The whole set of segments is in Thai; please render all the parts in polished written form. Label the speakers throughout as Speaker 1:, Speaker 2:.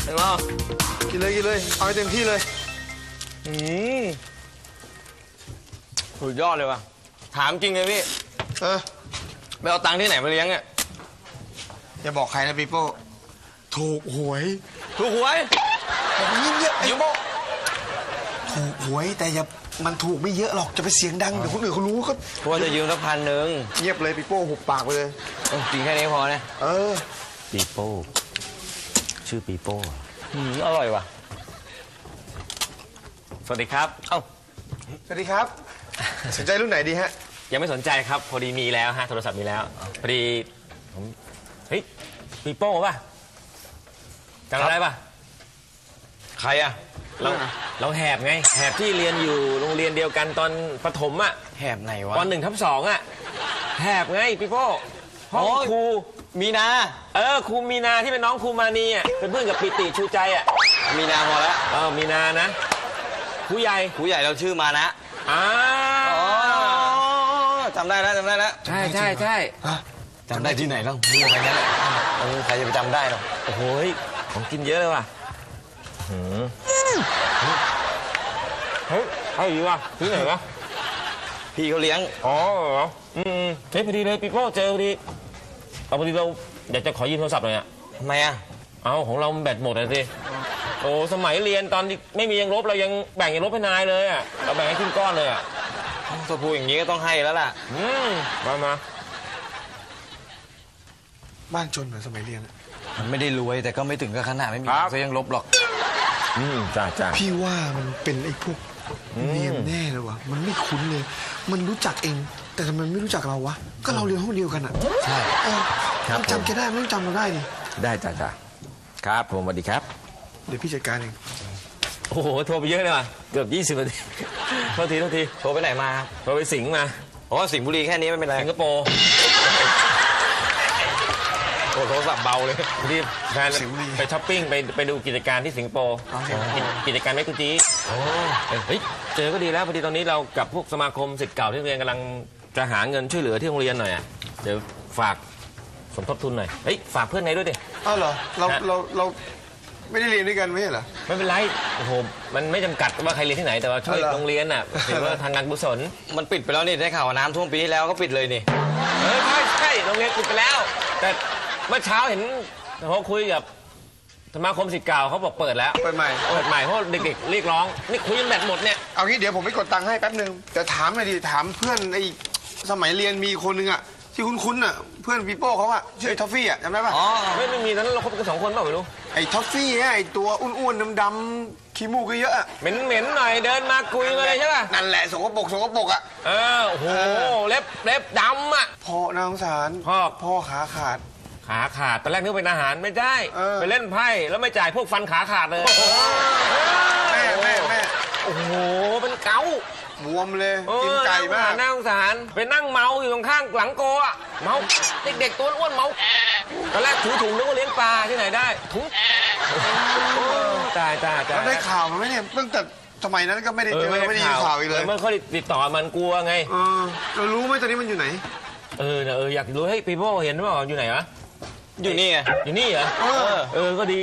Speaker 1: ถึงแล้ว
Speaker 2: กินเลยเอาให้เต็มที่เลย
Speaker 1: สุดยอดเลยว่ะถามจริงเลยพี่ไปเอาตังค์ที่ไหนมาเลี้ยงเนี่ย
Speaker 2: อย่าบอกใครนะปีโป้ถูกหวยเยอะๆไอ้โป้ถูกหวยแต่อย่ามันถูกไม่เยอะหรอกจะไปเสียงดังเดี๋ยวคนอื่นเขารู้ก็
Speaker 1: ว่าจะยืมสัก1,000
Speaker 2: เงียบเลยปีโป้หุบปากไปเลย
Speaker 1: จริงแค่นี้พอนะ
Speaker 3: ปีโป้ชื่อปีโป้
Speaker 1: อร่อยว่ะสวัสดีครับ
Speaker 2: สวัสดีครับสนใจรุ่นไหนดีฮะ
Speaker 1: ยังไม่สนใจครับพอดีมีแล้วฮะโทรศัพท์มีแล้วพอดีผมเฮ้ยปีโป้ป่ะจำได้ป่ะใครอะเราแหบไงแหบที่เรียนอยู่โรงเรียนเดียวกันตอนประถมอะ
Speaker 3: แหบไหนวะ
Speaker 1: ตอน1/2อะแหบไงปีโป้ห้องครู
Speaker 3: มีนา
Speaker 1: ครูมีนาที่เป็นน้องครูมานีอะเป็นเพื่อนกับปิติชูใจอะ
Speaker 3: มีนาพอแล้ว
Speaker 1: มีนานะครูใหญ่
Speaker 3: เราชื่อมานะจำได้แล้ว
Speaker 1: ใช่
Speaker 3: จำได้ที่ไหนแล้วมีอะไรนั้นใครจะไปจำได้หรอ
Speaker 1: โอ้โหของกินเยอะเลยว่ะเฮ้ยเอาอีกว่ะที่ไหนวะ
Speaker 3: พี่เขาเลี้ยง
Speaker 1: เหรอเฮ้ยพอดีเลยปีโป้เจอพอดีพอดีเราอยากจะขอยืมโทรศัพท์หน่อยอะ
Speaker 3: ทำไมอะ
Speaker 1: ของเราแบตหมดเลยสิสมัยเรียนตอนไม่มียังลบเรายังแบ่งยังลบให้นายเลยอะเราแบ่งให้ขึ้นก้อนเลยอะ
Speaker 3: ถ้าพูดอย่างนี้ก็ต้องให้แล้วล่ะ
Speaker 1: มา
Speaker 2: บ้านจนเหมือนสมัยเรียน
Speaker 3: มันไม่ได้รวยแต่ก็ไม่ถึงกับขนาดไม่มีก็ยังลบหรอก
Speaker 1: จ้า
Speaker 2: พี่ว่ามันเป็นไอ้พวกเรียนแน่เลยวะมันไม่คุ้นเลยมันรู้จักเองแต่ทำไมไม่รู้จักเราวะก็เราเรียนห้องเดียวกันอ่ะ
Speaker 3: ใช่
Speaker 2: มันจำแกได้ไม่ต้องจำเราได้ดิ
Speaker 3: ได้จ้าครับผมสวัสดีครับ
Speaker 2: เดี๋ยวพี่จัดการเอง
Speaker 1: โอ้โหโทรไปเยอะเลยว่ะเกือบ20 นาทีโทษที
Speaker 3: โทรไปไหนมา
Speaker 1: โทรไปสิงห์มา
Speaker 3: สิงห์บุรีแค่นี้ไม่เป็นไร
Speaker 1: สิงคโปร์โทรศัพท์เบาเลยที่แฟนไปช้อปปิ้งไปดูกิจการที่สิงคโปร์กิจการแมกกูจีเฮ้ยเจอก็ดีแล้วพอดีตอนนี้เรากับพวกสมาคมศิษย์เก่าที่โรงเรียนกำลังจะหาเงินช่วยเหลือที่โรงเรียนหน่อยเดี๋ยวฝากสมทบทุนหน่อยเฮ้ยฝากเพื่อนไงด้วยดิ
Speaker 2: เหรอเราไม่ได้เรียนด้วยกันไม่ใช่เหรอ
Speaker 1: ไม่เป็นไรโอ้โหมันไม่จำกัดว่าใครเรียนที่ไหนแต่ว่าช่วยโรงเรียนถือว่าทางการกุศล
Speaker 3: มันปิดไปแล้วนี่ได้ข่าวว่าน้ำท่วมปีที่แล้วก็ปิดเลยนี่
Speaker 1: ใช่โรงเรียนปิดไปแล้วแต่เมื่อเช้าเห็นเขาคุยกับสมาคมศิษย์เก่าเขาบอกเปิดแล้ว
Speaker 2: เปิดใหม่
Speaker 1: เพราะเด็กๆเรียกร้องนี่คุยกันแบตหมดเนี่ย
Speaker 2: เอางี้เดี๋ยวผมไปกดตังค์ให้แป๊บนึงแต่ถามหน่อยดิถามเพื่อนไอ้สมัยเรียนมีคนนึงอะที่คุ้นๆอะเพื่อนปีโป้เขาอะชื่อท็อฟฟี่อะจำได้ปะ
Speaker 1: ไม่มีตอนนั้นเราคบกัน2 คนเปล่าไม่รู้
Speaker 2: ไอ้ท็อฟฟี่ไอ้ตัวอ้วนๆดำๆขี้มูกเยอะอะ
Speaker 1: เหม็นๆหน่อยเดินมาคุยมาเลยใช่ป่ะ
Speaker 2: นั่นแหละสกปรกอะ
Speaker 1: โอ้โหเล็บดำอะ
Speaker 2: พ่อนางสารพ่อขาขาด
Speaker 1: ตอนแรกนึกเป็นอาหารไม่ได้ไปเล่นไพ่แล้วไม่จ่ายพวกฟันขาขาดเลย
Speaker 2: แม่
Speaker 1: โอ้โหเป็นเกา
Speaker 2: บวมเลยกินไก่มาก
Speaker 1: น่าสงสารไปนั่งเมาอยู่ตรงข้างหลังโกะเมาเด็กๆตัวอ้วนเมาตอนแรกถือถุงนึกว่าเลี้ยงปลาที่ไหนได้ถุงตาย
Speaker 2: แล้วได้ข่าวมันไหมเนี่ยตั้งแต่สมัยนั้นก็ไม่ได้เจอไม่ได้ยินข่าวอีกเลย
Speaker 1: ไม่ค่อยติดต่อมันกลัวไง
Speaker 2: เรารู้ไหมตอนนี้มันอยู่ไหน
Speaker 1: อยากรู้ให้ปีโป้เห็นว่าอยู่ไหนวะ
Speaker 3: อยู่นี่ไง
Speaker 1: อยู่นี่เหรอก็ดี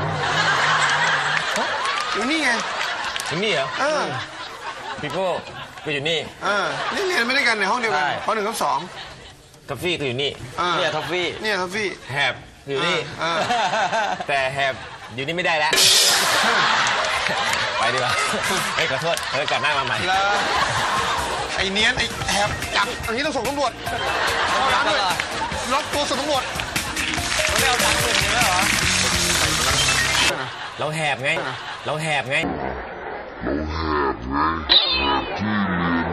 Speaker 2: อยู่นี่ไง
Speaker 1: อยู่นี่เหรอปีโป้ก็อยู่นี่
Speaker 2: นี่เรียนไม่ได้กันในห้องเดียวกันป .1 กับ
Speaker 1: 2ท็อฟฟี่ก็อยู่นี่
Speaker 3: เนี่ยท็อฟฟี่
Speaker 1: แหบอยู่นี่แต่แหบอยู่นี่ไม่ได้แล้วไปดีกว่าขอโทษกลับหน้ามาใหม่
Speaker 2: ไอ้เนี้ยไอ้แหบจับอันนี้ต้องส่งตำรวจเข้าร้านด้วยล็อกตัวส่งตำรวจ
Speaker 3: ไม่เอาตังค์อื่นเลยเหรอ
Speaker 1: เราแหบไง